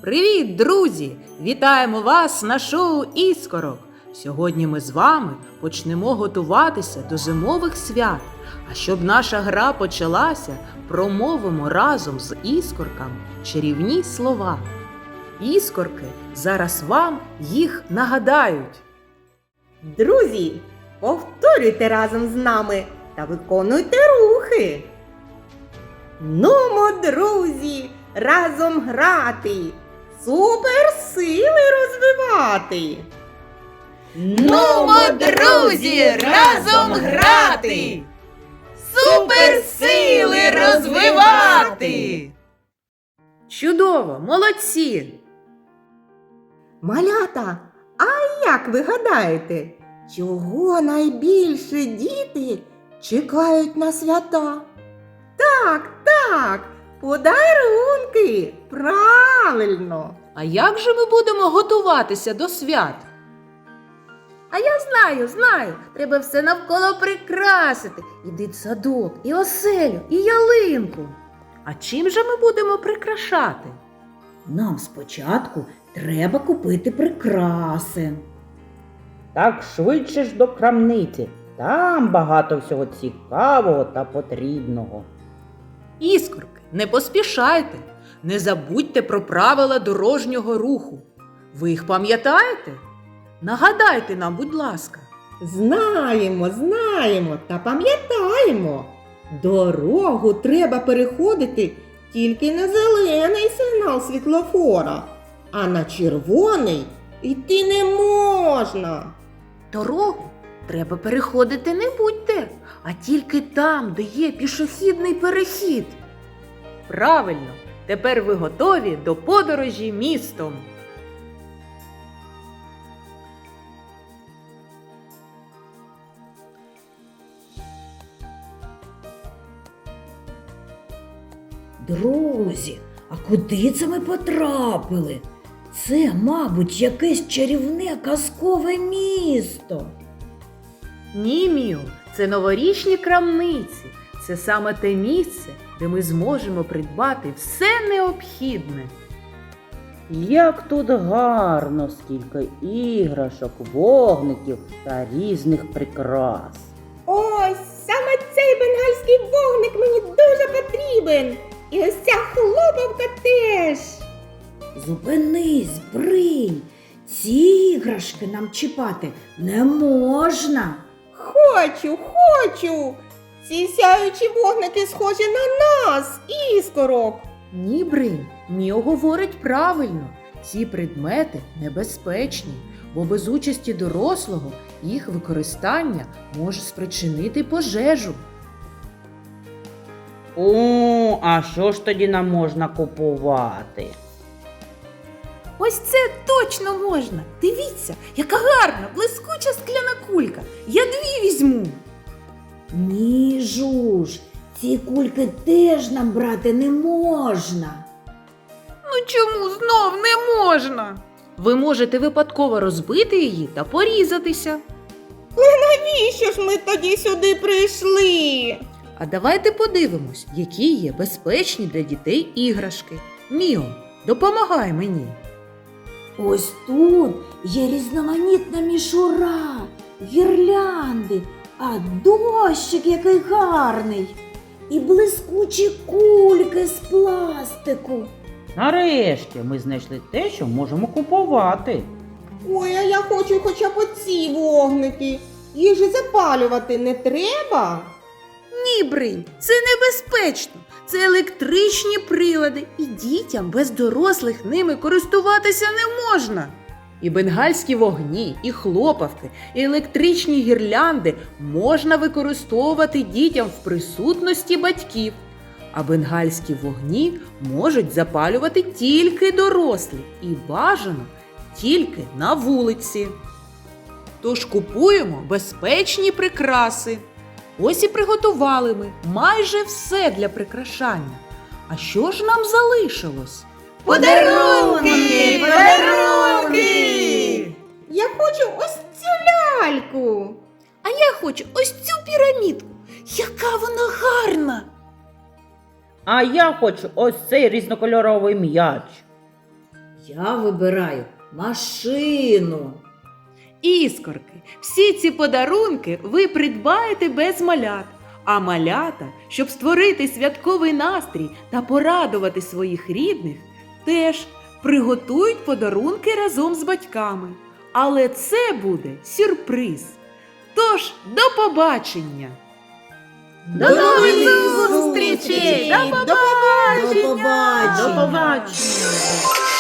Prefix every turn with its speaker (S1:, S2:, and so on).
S1: Привіт, друзі! Вітаємо вас на шоу «Іскорок». Сьогодні ми з вами почнемо готуватися до зимових свят. А щоб наша гра почалася, промовимо разом з іскорками чарівні слова. Іскорки зараз вам їх нагадають.
S2: Друзі, повторюйте разом з нами та виконуйте рухи. Нумо, друзі, разом грати, суперсили розвивати.
S1: Нумо, друзі, разом грати! Суперсили розвивати! Чудово! Молодці!
S2: Малята, а як ви гадаєте, чого найбільше діти чекають на свята? Так, подарунки! Правильно!
S1: А як же ми будемо готуватися до свят?
S3: А я знаю, треба все навколо прикрасити. І дитсадок, і оселю, і ялинку.
S1: А чим же ми будемо прикрашати?
S4: Нам спочатку треба купити прикраси.
S5: Так швидше ж до крамниці. Там багато всього цікавого та потрібного.
S1: Іскорки, не поспішайте. Не забудьте про правила дорожнього руху. Ви їх пам'ятаєте? Нагадайте нам, будь ласка.
S2: Знаємо та пам'ятаємо. Дорогу треба переходити тільки на зелений сигнал світлофора, а на червоний йти не можна.
S3: Дорогу треба переходити не будь-де, а тільки там, де є пішохідний перехід.
S1: Правильно, тепер ви готові до подорожі містом.
S4: Друзі, а куди це ми потрапили? Це, мабуть, якесь чарівне казкове місто.
S1: Ні, Міо, це новорічні крамниці. Це саме те місце, де ми зможемо придбати все необхідне.
S5: Як тут гарно, скільки іграшок, вогників та різних прикрас.
S2: Ось, саме цей бенгальський вогник мені дуже потрібен. І ось ця хлопавка теж.
S4: Зупинись, Бринь, ці іграшки нам чіпати не можна.
S2: Хочу. Ці сяючі вогники схожі на нас, іскорок.
S1: Ні, Бринь, Міо говорить правильно. Ці предмети небезпечні, бо без участі дорослого їх використання може спричинити пожежу.
S5: О, а що ж тоді нам можна купувати?
S3: Ось це точно можна. Дивіться, яка гарна, блискуча скляна кулька. Я 2 візьму.
S4: Ні, Жуж, ці кульки теж нам брати не можна.
S3: Ну чому знов не можна?
S1: Ви можете випадково розбити її та порізатися.
S2: Навіщо ж ми тоді сюди прийшли?
S1: А давайте подивимось, які є безпечні для дітей іграшки. Міо, допомагай мені.
S4: Ось тут є різноманітна мішура, гірлянди, а дощик який гарний. І блискучі кульки з пластику.
S5: Нарешті ми знайшли те, що можемо купувати.
S2: Ой, а я хочу хоча б оці вогники. Їх же запалювати не треба.
S3: Ні, Бринь, це небезпечно. Це електричні прилади, і дітям без дорослих ними користуватися не можна.
S1: І бенгальські вогні, і хлопавки, і електричні гірлянди можна використовувати дітям в присутності батьків. А бенгальські вогні можуть запалювати тільки дорослі і бажано тільки на вулиці. Тож купуємо безпечні прикраси. Ось і приготували ми майже все для прикрашання. А що ж нам залишилось?
S2: Подарунки! Я хочу ось цю ляльку.
S3: А я хочу ось цю пірамідку. Яка вона гарна!
S5: А я хочу ось цей різнокольоровий м'яч.
S4: Я вибираю машину.
S1: Іскорки, всі ці подарунки ви придбаєте без малят. А малята, щоб створити святковий настрій та порадувати своїх рідних, теж приготують подарунки разом з батьками. Але це буде сюрприз. Тож, до побачення!
S3: До нових зустрічей! До побачення!
S4: До побачення!
S5: До побачення!